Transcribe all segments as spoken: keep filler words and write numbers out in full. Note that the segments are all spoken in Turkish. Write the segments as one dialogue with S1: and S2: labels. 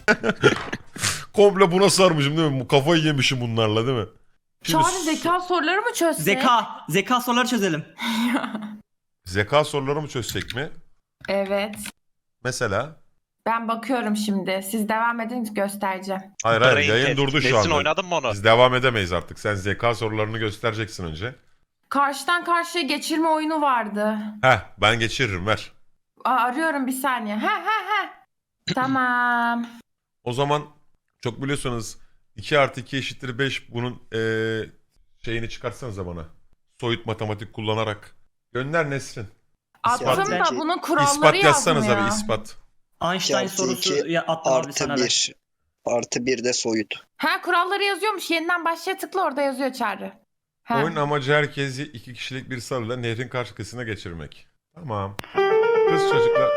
S1: Komple buna sarmışım değil mi? Bu kafayı yemişim bunlarla değil mi? Şimdi
S2: Çağrı zeka soruları mı çözsek?
S3: Zeka. Zeka soruları çözelim.
S1: zeka soruları mı çözsek mi?
S2: Evet.
S1: Mesela?
S2: Ben bakıyorum şimdi. Siz devam edin, göstereceğim.
S1: Hayır hayır
S4: Brain
S1: yayın
S4: test.
S1: durdu şu
S4: Nesin
S1: anda.
S4: oynadın mı onu?
S1: Biz devam edemeyiz artık. Sen zeka sorularını göstereceksin önce.
S2: Karşıdan karşıya geçirme oyunu vardı.
S1: Heh ben geçiririm ver.
S2: Aa, arıyorum bir saniye. Ha ha ha. Tamam.
S1: O zaman çok biliyorsunuz iki artı iki eşittir beş bunun eee, şeyini çıkartsanıza bana. Soyut matematik kullanarak. Gönder Nesrin.
S2: Attım
S3: İspat-
S2: da bunun kuralları
S1: İspat yazsanıza
S2: yazmıyor.
S1: bir ispat.
S3: Einstein
S5: iki
S3: sorusu
S5: iki
S3: ya attım abi
S5: Artı
S3: sana. ben.
S5: bir. Artı bir de soyut.
S2: Ha kuralları yazıyormuş. Yeniden başlaya tıkla, orada yazıyor Çağrı. Ha.
S1: Oyun amacı herkesi iki kişilik bir salıyla nehrin karşı kıyısına geçirmek. Tamam. Kız çocuklar.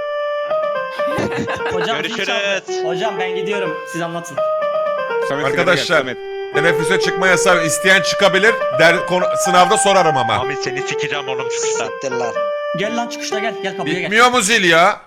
S3: Hocam,
S4: Görüşürüz.
S3: zil çaldı. Hocam ben gidiyorum. Siz anlatın.
S6: Samet,
S1: Arkadaşlar
S6: Samet.
S1: teneffüse çıkma yasağı isteyen çıkabilir. Der, konu, sınavda sorarım ama.
S4: Ahmet seni sikeceğim oğlum çıkışta.
S5: Siktir lan.
S3: Gel lan çıkışta gel. Gel kapıya gel.
S1: Bitmiyor mu zil ya?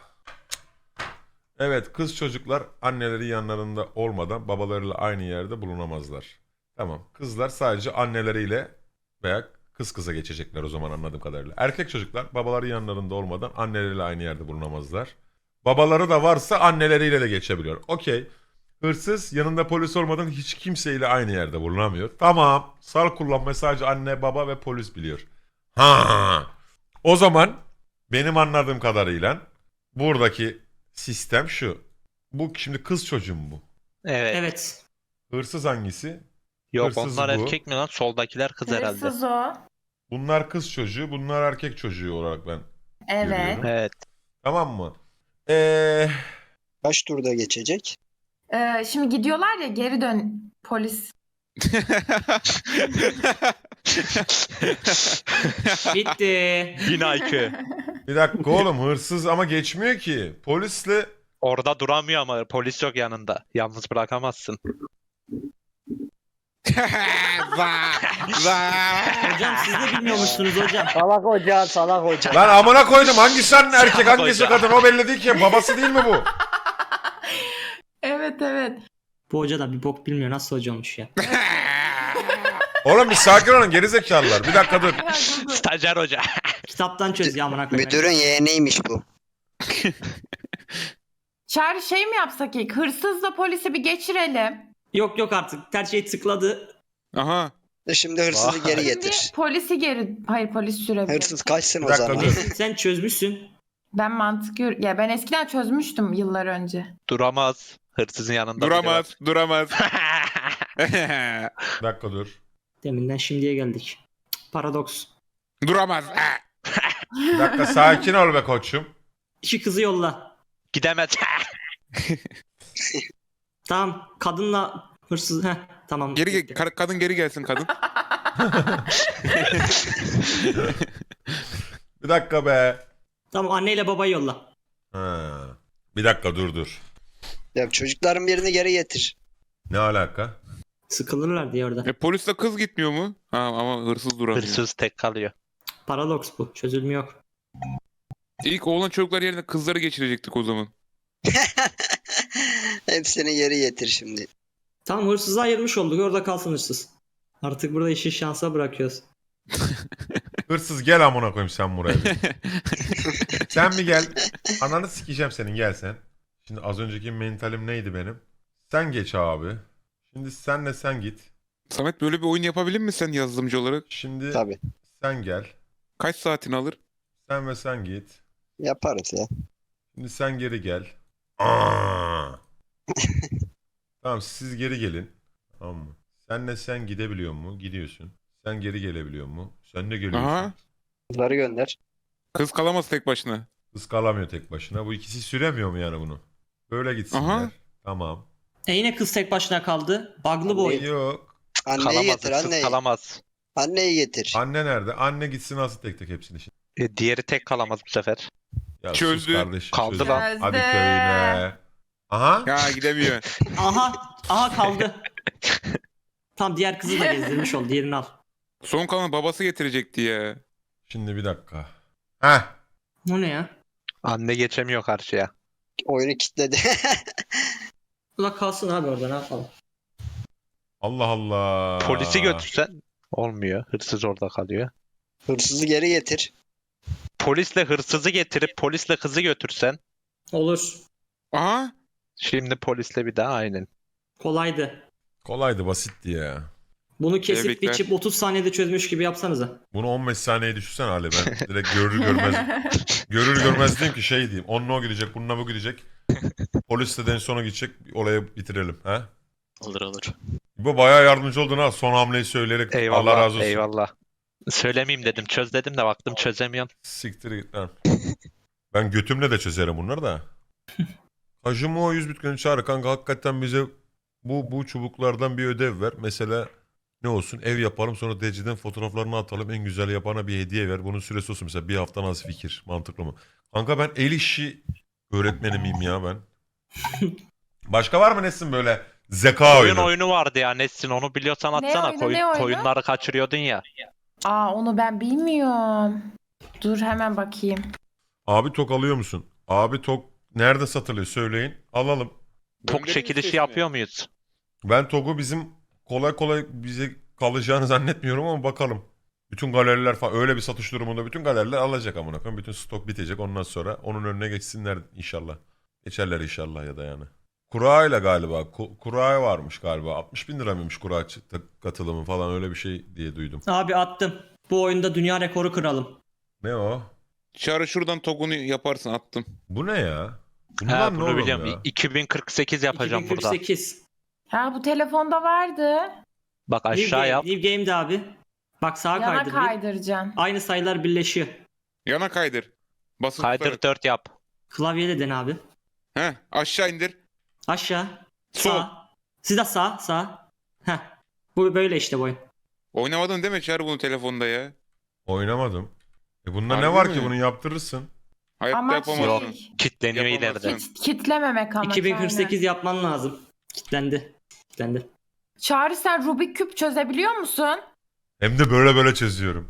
S1: Evet kız çocuklar anneleri yanlarında olmadan babalarıyla aynı yerde bulunamazlar. Tamam kızlar sadece anneleriyle veya kız kıza geçecekler o zaman anladığım kadarıyla. Erkek çocuklar babaları yanlarında olmadan anneleriyle aynı yerde bulunamazlar. Babaları da varsa anneleriyle de geçebiliyor. Okey. Hırsız yanında polis olmadan hiç kimseyle aynı yerde bulunamıyor. Tamam. Sal kullanmayı sadece anne, baba ve polis biliyor. Ha. O zaman benim anladığım kadarıyla buradaki sistem şu. Bu şimdi kız çocuğu mu bu?
S4: Evet.
S3: Evet.
S1: Hırsız hangisi?
S4: Yok
S1: Hırsız
S4: onlar
S1: bu.
S4: erkek mi lan? Soldakiler kız herhalde.
S2: Hırsız o.
S1: Bunlar kız çocuğu, bunlar erkek çocuğu olarak ben
S2: Evet.
S1: görüyorum.
S4: Evet.
S1: Tamam mı? Eee
S5: Kaç turda geçecek?
S2: Ee, şimdi gidiyorlar ya, geri dön polis.
S3: Bitti.
S4: Yine I Q.
S1: bir dakika oğlum hırsız ama geçmiyor ki. Polisle
S4: Orada duramıyor ama polis yok yanında. Yalnız bırakamazsın.
S6: Vaa, vaa.
S3: Hocam siz de bilmiyormuşsunuz hocam.
S5: Salak hoca, salak hoca.
S1: lan amına koydum hangisi anne erkek
S4: Salak
S1: hangisi
S4: hoca.
S1: kadın o belli değil ki. Babası değil mi bu?
S2: Evet evet.
S3: Bu hoca da bir bok bilmiyor. Nasıl hoca olmuş ya.
S1: Oğlum bir sakin olun gerizekalılar. Bir dakika dur.
S4: Stajyer hoca.
S3: Kitaptan çöz ya amına koyayım.
S5: Müdürün yeğeniymiş bu.
S2: Çağrı şey mi yapsak ilk? Hırsızla polisi bir geçirelim.
S3: Yok yok artık. Her şey tıkladı.
S6: Aha.
S5: Şimdi hırsızı
S4: Vay.
S5: geri
S2: Şimdi
S5: getir.
S2: polisi geri... Hayır polis sürebilir.
S5: Hırsız kaçsın
S1: Bir
S5: o
S1: dakika,
S5: zaman.
S1: dur.
S3: Nesin sen çözmüşsün.
S2: Ben mantık yürü... Ya ben eskiden çözmüştüm yıllar önce.
S4: Duramaz. Hırsızın yanında.
S6: Duramaz, duramaz.
S1: Bir dakika dur.
S3: Deminden şimdiye geldik. Paradoks.
S6: Duramaz.
S1: Bir dakika sakin ol be koçum.
S3: İki kızı yolla.
S4: Gidemez.
S3: Tamam. Kadınla hırsız. Heh, tamam.
S6: Geri gel,
S3: Bitti.
S6: ka- kadın geri gelsin kadın.
S1: Bir dakika be.
S3: Tamam anneyle babayı yolla.
S1: Ha. Bir dakika dur dur.
S5: Ya çocukların birini geri getir.
S1: Ne alaka?
S3: Sıkılırlar diye orada.
S6: E, polisle kız gitmiyor mu? Ha, ama hırsız duramıyor.
S4: Hırsız tek kalıyor.
S3: Paradoks bu. Çözülmü yok.
S6: İlk oğlan çocuklar yerine kızları geçirecektik o zaman.
S5: Hepsini geri getir şimdi.
S3: Tamam hırsızı ayırmış olduk. Orada kalsın hırsız. Artık burada işi şansa bırakıyoruz.
S1: Hırsız gel amına koyayım sen buraya. bir. Sen bir gel. Ananı sikeceğim senin gel sen. Şimdi az önceki mentalim neydi benim? Sen geç abi. Şimdi senle sen git.
S6: Samet böyle bir oyun yapabilir misin sen yazılımcı olarak?
S1: Şimdi
S5: Tabii.
S1: sen gel.
S6: Kaç saatini alır?
S1: Sen ve sen git.
S5: Yaparız ya.
S1: Şimdi sen geri gel. Aa! Tamam siz geri gelin. Tamam mı? Senle sen gidebiliyor mu? Gidiyorsun. Sen geri gelebiliyor mu? Sen de geliyorsun.
S6: Aha.
S5: Kızları gönder.
S6: Kız kalamaz tek başına.
S1: Kız kalamıyor tek başına. Bu ikisi süremiyor mu yani bunu? Böyle gitsinler.
S6: Aha.
S1: Tamam.
S3: E yine kız tek başına kaldı. Bug'lı bu oyun.
S1: Yok.
S5: Anneyi
S4: Kalamaz.
S5: getir
S4: Hırsız
S5: anneyi.
S4: kalamaz.
S5: Anneyi getir.
S1: Anne nerede? Anne gitsin alsın tek tek hepsini şimdi.
S4: E, diğeri tek kalamaz bu sefer.
S1: Ya sus
S6: Çözdü.
S1: kardeşim,
S4: Kaldı
S1: çözdü.
S4: lan.
S1: Hadi
S2: Çözdü.
S1: köyüne. Aha.
S6: Ya gidemiyor.
S3: Aha. Aha kaldı. Tam diğer kızı da gezdirmiş ol. Diğerini al.
S6: Son kalan babası getirecekti ya.
S1: Şimdi bir dakika. Heh.
S3: O ne ya?
S4: Anne geçemiyor karşıya.
S5: Oyunu kilitledi.
S3: Ula kalsın abi orada, ne yapalım.
S1: Allah Allah.
S4: Polisi götürsen olmuyor. Hırsız orada kalıyor.
S5: Hırsızı geri getir.
S4: Polisle hırsızı getirip polisle kızı götürsen.
S3: Olur.
S6: Aha.
S4: Şimdi polisle bir daha aynen.
S3: Kolaydı.
S1: Kolaydı, basitti ya.
S3: Bunu kesip
S6: Tebrikler.
S3: biçip otuz saniyede çözmüş gibi yapsanıza.
S1: Bunu on beş saniyeye düşünsene Ali, ben direkt görür görmez görür görmez diyeyim ki şey diyeyim. Onunla o gidecek, bununla bu gidecek. Polis de en sona gidecek, olayı bitirelim. Ha?
S7: Olur olur.
S1: Bu bayağı yardımcı oldun ha, son hamleyi söyleyerek.
S4: Eyvallah.
S1: Allah razı olsun.
S4: Eyvallah. Söylemeyeyim dedim. Çöz dedim de baktım çözemiyorum.
S1: Siktir git lan. Ben götümle de çözerim bunları da. Hacım o yüz bitcoin çağır kanka, hakikaten bize bu bu çubuklardan bir ödev ver. Mesela ne olsun, ev yapalım, sonra D C'den fotoğraflarını atalım, en güzel yapana bir hediye ver. Bunun süresi olsun mesela bir hafta, nasıl fikir, mantıklı mı? Kanka ben el işi öğretmeni miyim ya ben? Başka var mı Nesin böyle zeka
S4: Oyun
S1: oyunu?
S4: oyunu vardı ya Nesrin, onu biliyorsan
S2: Ne
S4: atsana.
S2: oyunu,
S4: Koyun-
S2: ne oyunu?
S4: koyunları kaçırıyordun ya.
S2: Aa, onu ben bilmiyorum. Dur hemen bakayım.
S1: Abi tok alıyor musun? Abi tok nerede satılıyor söyleyin, alalım.
S4: Tok
S6: Gönderin
S4: çekilişi
S6: sesini.
S4: yapıyor muyuz?
S1: Ben Tog'u bizim kolay kolay bize kalacağını zannetmiyorum ama bakalım. Bütün galeriler falan öyle bir satış durumunda bütün galeriler alacak amına koyayım. Bütün stok bitecek, ondan sonra onun önüne geçsinler inşallah. Geçerler inşallah ya da yani. Kura ile galiba. Ku- Kura varmış galiba. altmış bin lira mıymış kura ç- katılımı falan, öyle bir şey diye duydum.
S3: Abi attım. Bu oyunda dünya rekoru kıralım.
S1: Ne o?
S6: Çağrı şuradan tokunu yaparsın, attım.
S1: Bu ne ya?
S4: Ha,
S1: Bundan ne
S4: bunu
S1: oğlum
S4: biliyorum.
S1: ya?
S4: iki bin kırk sekiz yapacağım burada.
S3: iki bin kırk sekiz.
S2: Ha, bu telefonda vardı.
S4: Bak
S3: New,
S4: aşağı
S3: game,
S4: yap.
S3: New Game'de abi. Bak sağa
S2: Yana
S3: kaydır. bir.
S2: kaydıracaksın.
S3: Aynı sayılar birleşiyor.
S6: Yana kaydır. Basılı
S4: Kaydır
S6: tutarak.
S4: dört yap.
S3: Klavyeyle den abi.
S6: Heh, aşağı indir.
S3: Aşağı.
S6: Sol.
S3: Sağ. Siz de sağ. Sağ. Heh. Bu böyle işte bu oyun.
S6: Oynamadın değil mi Çağrı bunu telefonda ya?
S1: Oynamadım. E bunda
S6: Harbi
S1: ne var
S6: mi?
S1: ki, bunu yaptırırsın.
S6: Hayatta
S2: Ama
S6: yapamazsın.
S2: şey,
S4: Kitleniyor
S6: Yapamazsın.
S4: ileride.
S2: kit, kitlememek ama.
S3: iki bin kırk sekiz
S2: aynen.
S3: yapman lazım. Kitlendi. Kitlendi.
S2: Çağrı, sen Rubik küp çözebiliyor musun?
S1: Hem de böyle böyle çözüyorum.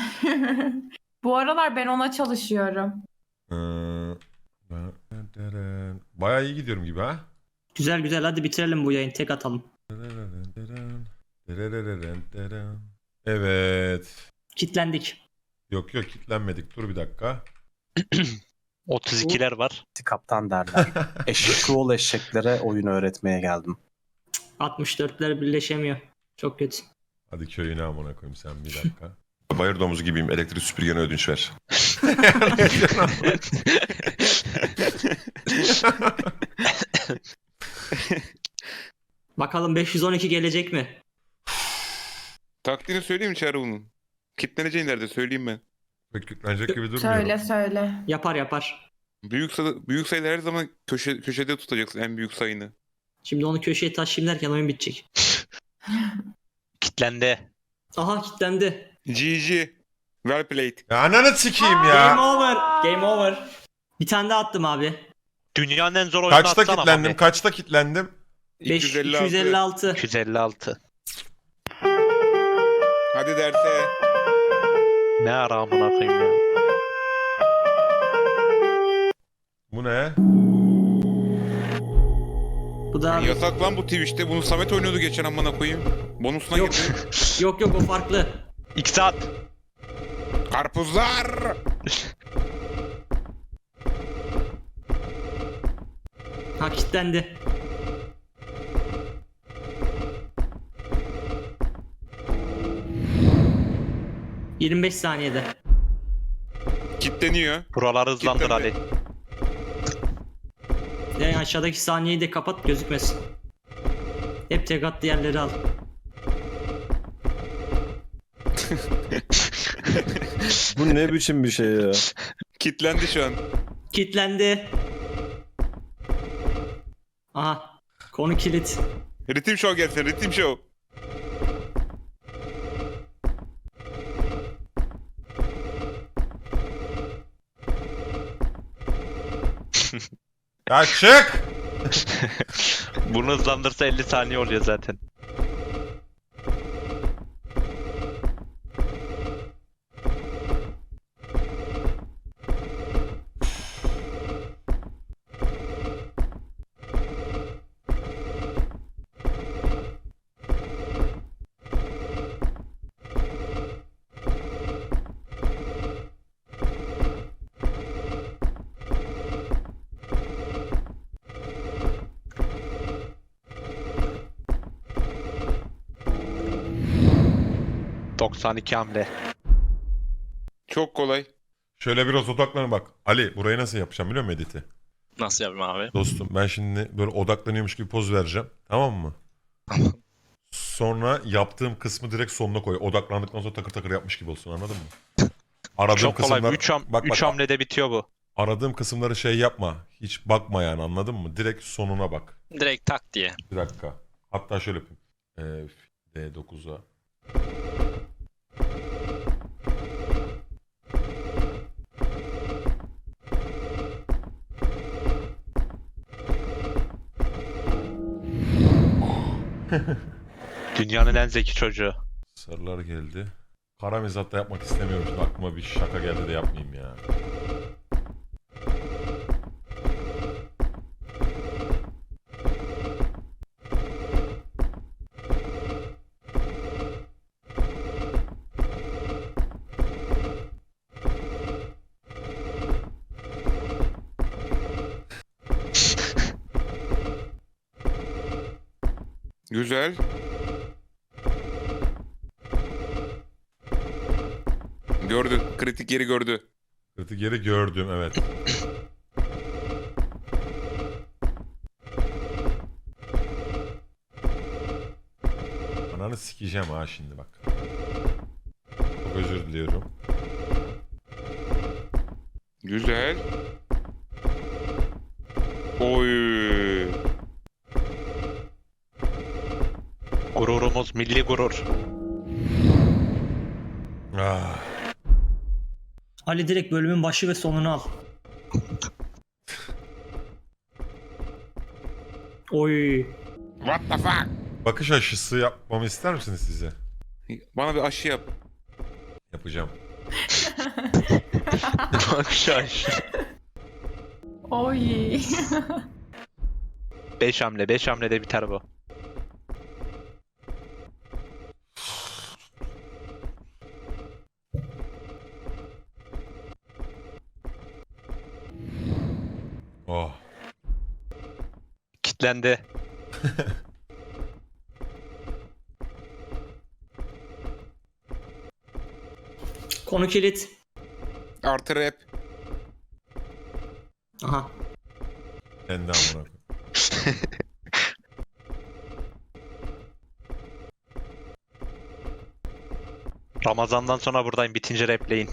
S2: Bu aralar ben ona çalışıyorum.
S1: Ee, Bayağı iyi gidiyorum gibi ha.
S3: Güzel güzel, hadi bitirelim bu yayını, tek atalım.
S1: Evet.
S3: Kitlendik.
S1: Yok yok, kilitlenmedik. Dur bir dakika.
S4: otuz ikiler var.
S8: Kaptan derler. Eşek oğul eşeklere oyun öğretmeye geldim.
S3: altmış dörtler birleşemiyor. Çok kötü.
S1: Hadi köyüne amına koyayım sen bir dakika. Bayır domuzu gibiyim. Elektrik süpürgene ödünç ver.
S3: Bakalım beş yüz on iki gelecek mi?
S6: Taktiğini söyleyeyim mi Çağrı bunun? Kitleneceğin nerede söyleyeyim ben.
S1: Pek yüklenecek gibi durmuyor.
S2: Söyle söyle.
S3: Yapar yapar.
S6: Büyük, sayı, büyük sayıları her zaman köşe, köşede tutacaksın en büyük sayını.
S3: Şimdi onu köşeye taşıyayım derken oyun bitecek.
S4: Kitlendi.
S3: Aha kitlendi.
S6: G G. Well played.
S1: Ya ananı sikeyim
S3: Game
S1: ya.
S3: over. Game over. Bir tane daha attım abi.
S4: Dünyanın en zor oyunu
S1: Kaçta
S4: atsana
S1: kilitlendim?
S4: abi.
S1: Kaçta kilitlendim?
S3: beş, iki yüz elli altı.
S4: iki yüz elli altı.
S6: Hadi derse.
S4: Ne ara amına koyayım ya.
S1: Bu ne?
S3: Bu da
S6: Yasak lan bu Twitch'te. Bunu Samet oynuyordu geçen amına koyayım. Bonusuna
S3: Yok.
S6: girdi.
S3: yok yok o farklı.
S4: İki saat.
S6: Karpuzlar.
S3: Ha kitlendi. yirmi beş saniyede.
S6: Kitleniyor.
S4: Buraları hızlandır Ali.
S6: Kitlendi.
S3: Yani aşağıdaki saniyeyi de kapat, gözükmesin. Hep tek at, diğerleri al.
S9: Bu ne biçim bir şey ya?
S6: Kitlendi şu an.
S3: Kitlendi. Aha. Konu kilit.
S6: Ritim show gelsin. Ritim show.
S1: Ya çık!
S4: Bunu hızlandırsa elli saniye oluyor zaten. doksan iki hamle.
S6: Çok kolay.
S1: Şöyle biraz odaklanın bak. Ali burayı nasıl yapacağım biliyor musun editi?
S7: Nasıl yapayım abi?
S1: Dostum ben şimdi böyle odaklanıyormuş gibi poz vereceğim. Tamam mı? Sonra yaptığım kısmı direkt sonuna koy. Odaklandıktan sonra takır takır yapmış gibi olsun anladın mı? Aradığım
S4: Çok kolay.
S1: kısımlar...
S4: üç ham
S1: bak,
S4: üç
S1: bak,
S4: hamlede bitiyor bu.
S1: aradığım kısımları şey yapma. Hiç bakma yani anladın mı? Direkt sonuna bak.
S7: Direkt tak diye.
S1: Bir dakika. Hatta şöyle yapayım. Ee, D dokuza.
S4: Dünyanın en zeki çocuğu.
S1: Sarılar geldi. Kara mizah da yapmak istemiyorum. Şimdi aklıma bir şaka geldi de yapmayayım ya.
S6: Güzel. Gördü. Kritik yeri gördü.
S1: Kritik yeri gördüm evet. Ananı sikeceğim ha şimdi bak. Çok özür diliyorum.
S6: Güzel. Oy.
S4: Gururumuz milli gurur.
S1: Ah.
S3: Ali direkt bölümün başı ve sonunu al. Oy.
S6: What the fuck?
S1: Bakış aşısı yapmamı ister misiniz size?
S6: Bana bir aşı yap.
S1: Yapacağım.
S4: Bak şaş.
S2: Oy.
S4: beş hamle. beş hamlede biter bu.
S1: Oh.
S4: Kitlendi.
S3: Konu kilit.
S6: Artı rap.
S3: Aha.
S1: Kendi amına koyayım.
S4: Ramazan'dan sonra buradayım. Bitince repleyin.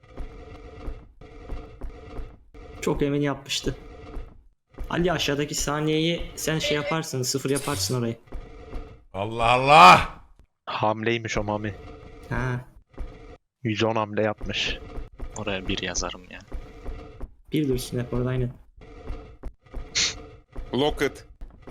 S3: Çok emin yapmıştı. Ali aşağıdaki saniyeyi sen şey yaparsın. Sıfır yaparsın orayı.
S1: Allah Allah!
S4: Hamleymiş o Mami.
S3: Ha.
S4: yüz on hamle yapmış.
S7: Oraya bir yazarım ya.
S3: Bir dursun hep orada aynen.
S6: Locket.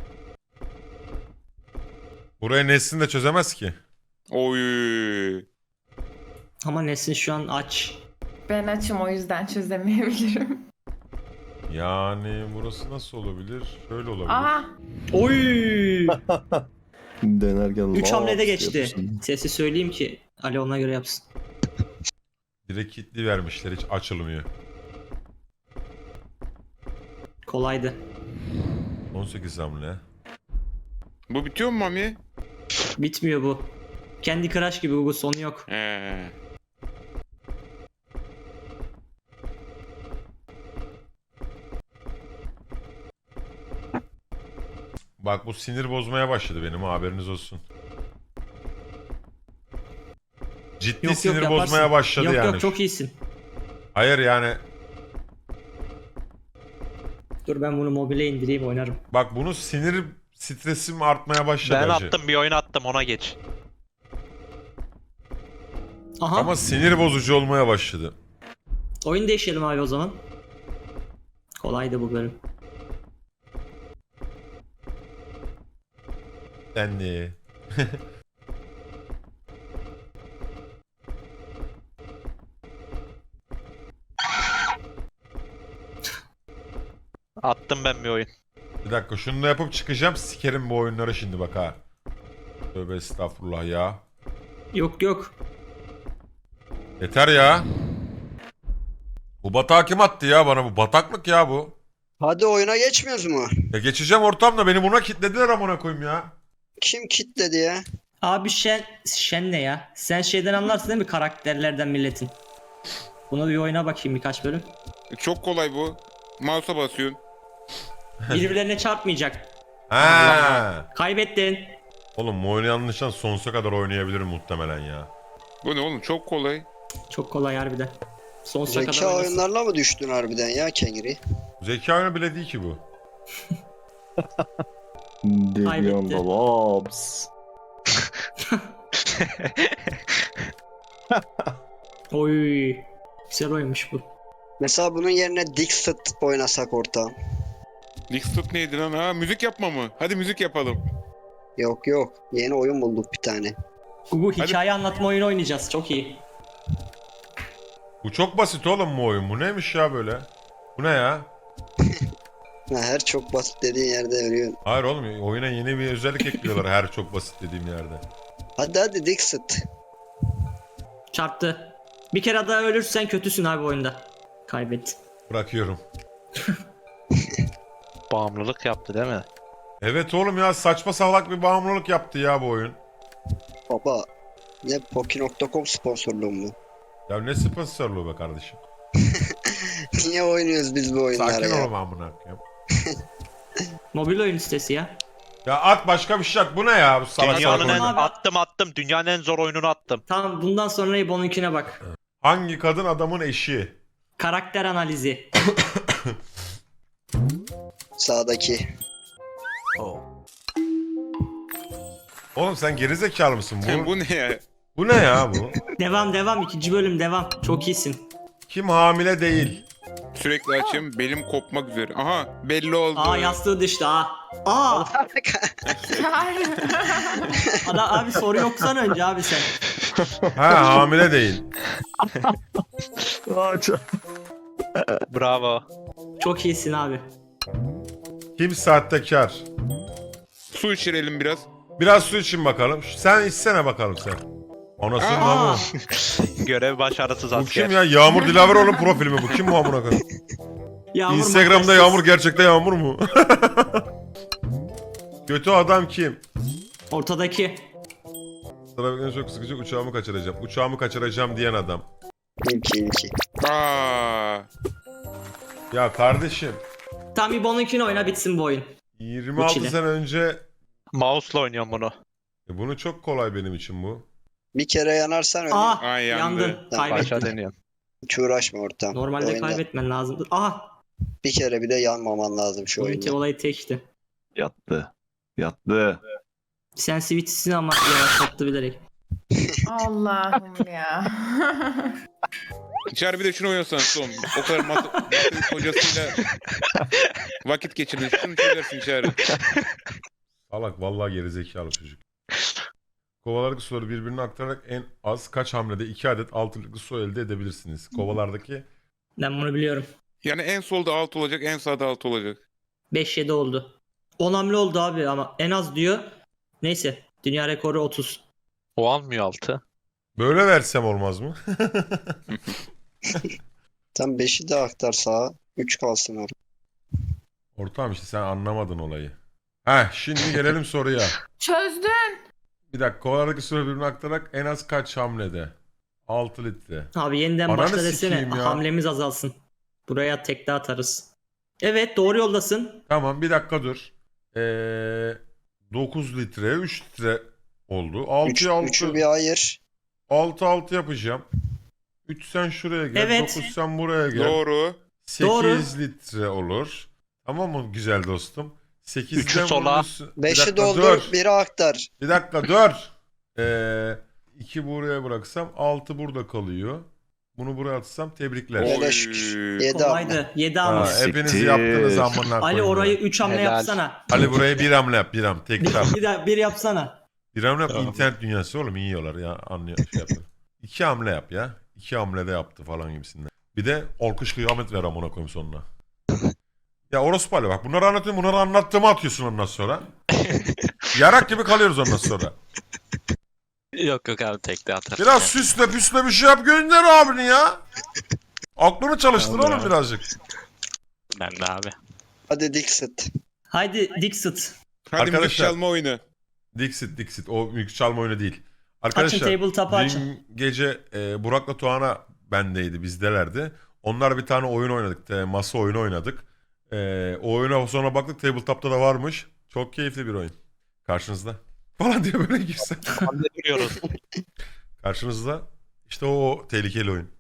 S1: Burayı Nesin de çözemez ki.
S6: Oy.
S3: Ama Nesin şu an aç.
S2: Ben açım o yüzden çözemeyebilirim.
S1: Yani burası nasıl olabilir? Şöyle olabilir.
S2: Aha.
S3: Oy!
S9: Denerken
S3: üç
S9: laf
S3: hamlede geçti.
S9: yapıyorsun.
S3: Sesi söyleyeyim ki Ali ona göre yapsın.
S1: Direkt kilitli vermişler hiç açılmıyor.
S3: Kolaydı.
S1: on sekiz hamle.
S6: Bu bitiyor mu Mami?
S3: Bitmiyor bu. Kendi Crush gibi bu sonu yok.
S6: He.
S1: Bak bu sinir bozmaya başladı benim haberiniz olsun. Ciddi
S3: Yok, yok,
S1: sinir
S3: yaparsın.
S1: bozmaya başladı
S3: yok
S1: yani.
S3: yok çok iyisin.
S1: Hayır yani
S3: Dur ben bunu mobile indireyim oynarım.
S1: bak bunu sinir stresim artmaya başladı.
S4: Ben
S1: hacı.
S4: attım bir oyun attım ona geç.
S3: Aha.
S1: Ama sinir bozucu olmaya başladı.
S3: Oyun değişelim abi o zaman. Kolaydı bu bölüm.
S1: Dendi.
S4: Attım ben bir oyun.
S1: Bir dakika şunu da yapıp çıkacağım. Sikerim bu oyunları şimdi bak ha. Tövbe estağfurullah ya.
S3: Yok yok.
S1: Yeter ya. Bu batağı kim attı ya bana bu? Bataklık ya bu.
S5: Hadi oyuna geçmiyoruz mu?
S1: Ya geçeceğim ortamda beni buna kilitlediler amına koyayım ya.
S5: Kim kitledi ya?
S3: Abi Şen, Şen ne ya? Sen şeyden anlarsın değil mi, karakterlerden milletin? Bunu bir oyuna bakayım birkaç bölüm.
S6: Çok kolay bu. Mouse'a basıyorsun.
S3: Birbirlerine çarpmayacak.
S1: Ha.
S3: Kaybettin.
S1: Oğlum bu oyunu yanlıştan sonsuza kadar oynayabilirim muhtemelen ya.
S6: Bu ne oğlum? Çok kolay.
S3: Çok kolay harbiden. Sonsuza kadar
S5: Zeka
S3: oynasın.
S5: oyunlarla mı düştün harbiden ya Kengri?
S1: Zeka oyunu bile değil ki bu.
S9: Devyon Dolabs.
S3: Oy. Güzel oyunmuş bu.
S5: Mesela bunun yerine Dixit oynasak ortağım.
S6: Dixit neydi lan? Ha müzik yapma mı? Hadi müzik yapalım.
S5: Yok yok. Yeni oyun bulduk bir tane.
S3: Gugu hikaye anlatma oyunu oynayacağız. Çok iyi.
S1: Bu çok basit oğlum bu oyun. Bu neymiş ya böyle? Bu ne ya?
S5: Ha, her çok basit dediğin yerde ölüyorsun.
S1: Hayır oğlum oyuna yeni bir özellik ekliyorlar her çok basit dediğim yerde.
S5: Hadi hadi Dixit.
S3: Çarptı. Bir kere daha ölürsen kötüsün abi oyunda. Kaybettin.
S1: Bırakıyorum.
S4: Bağımlılık yaptı değil mi?
S1: Evet oğlum ya saçma salak bir bağımlılık yaptı ya bu oyun.
S5: Baba. Ne Poki nokta com sponsorluğu mu?
S1: Ya ne sponsorluğu be kardeşim.
S5: Niye oynuyoruz biz bu oyunları
S1: Sakin
S5: ya?
S1: ol amına koyayım.
S3: Mobil oyun sitesi ya.
S1: Ya at başka bir şey at. Bu ne ya bu salak salak
S4: Dünyanın en
S1: oyun?
S3: Abi-
S4: attım attım. Dünyanın en zor oyununu attım.
S3: Tamam, bundan sonra İbo'nunkine bak.
S1: Hangi kadın adamın eşi?
S3: Karakter analizi.
S5: Sağdaki.
S1: Oğlum sen gerizekalı mısın? Bu,
S6: Bu ne ya?
S1: bu ne ya bu?
S3: Devam devam, ikinci bölüm devam. Çok iyisin.
S1: Kim hamile değil?
S6: Sürekli açayım. Belim kopmak üzere. Aha belli oldu.
S3: Aa, yastığı düştü aa. Aa. Ada, abi soru yoksan önce abi sen.
S1: Ha hamile değil.
S4: Bravo.
S3: Çok iyisin abi.
S1: Kim sahtekar?
S6: Su içirelim biraz.
S1: Biraz su için bakalım. Sen içsene bakalım sen. Anasının
S3: Aa.
S1: namı.
S4: Görev başarısız
S1: Bu
S4: asker.
S1: kim ya? Yağmur Dilaveroğlu profili mi bu? Kim bu amına koyayım?
S3: Yağmur
S1: Instagram'da
S3: makyajsız.
S1: Yağmur gerçekte Yağmur mu? Kötü adam kim?
S3: Ortadaki.
S1: Trafikten çok sıkıcı uçağımı kaçıracağım. Uçağımı kaçıracağım diyen adam.
S5: İlki ilki.
S6: Aa.
S1: Ya kardeşim
S3: Tam İbo'nunkini oyna, bitsin bu oyun.
S1: yirmi altı
S3: Uçile.
S1: sene önce
S4: Mouse'la oynuyorum bunu.
S1: e bunu çok kolay benim için bu.
S5: Bir kere yanarsan ölüyorsun.
S3: Aa,
S6: Ay, yandı.
S3: yandın.
S5: Tamam,
S4: Başa
S3: Kaybettin.
S4: deniyorum.
S5: Hiç uğraşma ortam.
S3: Normalde
S5: Oyunda
S3: kaybetmen lazımdı. Aha.
S5: bir kere bile yanmaman lazım şu
S3: Oyunki
S5: oyunda.
S3: olayı tekti.
S9: Yattı. Yattı.
S3: Sensitivity'sini ama yavaşlattı bilerek.
S2: Allah'ım ya.
S6: İçer bir de şunu oynasan son. O kadar mat matematik hocasıyla vakit geçirdin. Şunu çözersin içeri.
S1: Salak vallahi gerizekalı çocuk. Kovalardaki suları birbirine aktararak en az kaç hamlede iki adet altılıklı su elde edebilirsiniz? Kovalardaki
S3: Ben bunu biliyorum.
S6: Yani en solda alt olacak, en sağda alt olacak.
S3: beş yedi oldu. on hamle oldu abi ama en az diyor. Neyse. Dünya rekoru otuz.
S4: O almıyor altı.
S1: böyle versem olmaz mı?
S5: Sen beşi de aktar sağa. üç kalsın orada.
S1: Ortağım işte sen anlamadın olayı. Heh şimdi gelelim soruya.
S2: Çözdün.
S1: Bir dakika kovalardaki suları birbirine aktararak en az kaç hamlede? altı litre.
S3: Abi yeniden
S1: Ananı
S3: başla desene.
S1: sikeyim ya.
S3: Hamlemiz azalsın. Buraya tekte atarız. Evet, doğru yoldasın.
S1: Tamam bir dakika dur. Ee, dokuz litre üç litre oldu. altıya
S5: Üç, üçü
S1: altı.
S5: bir ayır.
S1: altı altı yapacağım. üç sen şuraya gel.
S3: Evet.
S1: dokuz sen buraya gel.
S6: Doğru.
S1: sekiz
S3: Doğru.
S1: litre olur. Tamam mı güzel dostum? sekizden
S4: Üçü sola.
S1: Bir
S5: beşi
S1: dakika
S5: doldur,
S1: dur.
S5: biri aktar.
S1: Bir dakika dur. Ee, iki buraya bıraksam altı burada kalıyor. Bunu buraya atsam tebrikler.
S5: Öyle
S6: Oy.
S5: şükür. Yedi hamle.
S3: Kolaydı. yedi
S1: Ha,
S3: hamle.
S1: hepiniz
S9: Siktir.
S1: yaptınız amına
S3: Ali
S1: koyayım
S3: orayı
S1: ya.
S3: üç hamle
S4: Helal.
S3: yapsana.
S1: Ali buraya bir hamle yap bir hamle. Tek hamle.
S3: Bir de bir yapsana.
S1: Bir hamle yap
S4: Tamam.
S1: internet dünyası oğlum iyi yiyorlar ya anlıyor şey yapıyor. İki hamle yap ya. İki hamle de yaptı falan gibisinden. Bir de alkış kıyamet ver amına koyayım sonuna. Ya orospu Ali bak bunları anlatıyorum bunları anlattığımı atıyorsun ondan sonra. Yarak gibi kalıyoruz ondan sonra.
S7: Yok yok abi tekte atarım.
S1: Biraz
S7: ya.
S1: süsle püsle bir şey yap gönder abini ya. Aklını çalıştır
S7: Tamam
S1: oğlum
S7: ya.
S1: birazcık.
S7: Ben de abi.
S5: Hadi Dixit.
S3: Haydi Dixit.
S6: Hadi müzik
S1: Arkadaşlar.
S6: çalma oyunu.
S1: Dixit, Dixit. O mülk çalma oyunu değil.
S3: Açın
S1: Arkadaşlar
S3: tabletop'u açın.
S1: dün gece e, Burak'la Tuğan'a bendeydi, bizdelerdi. Onlar bir tane oyun oynadık. E, masa oyunu oynadık. E, o oyuna sonra baktık tabletop'ta da varmış. Çok keyifli bir oyun. Karşınızda. Falan diye böyle girsen.
S4: Duruyoruz.
S1: Karşınızda işte o tehlikeli oyun.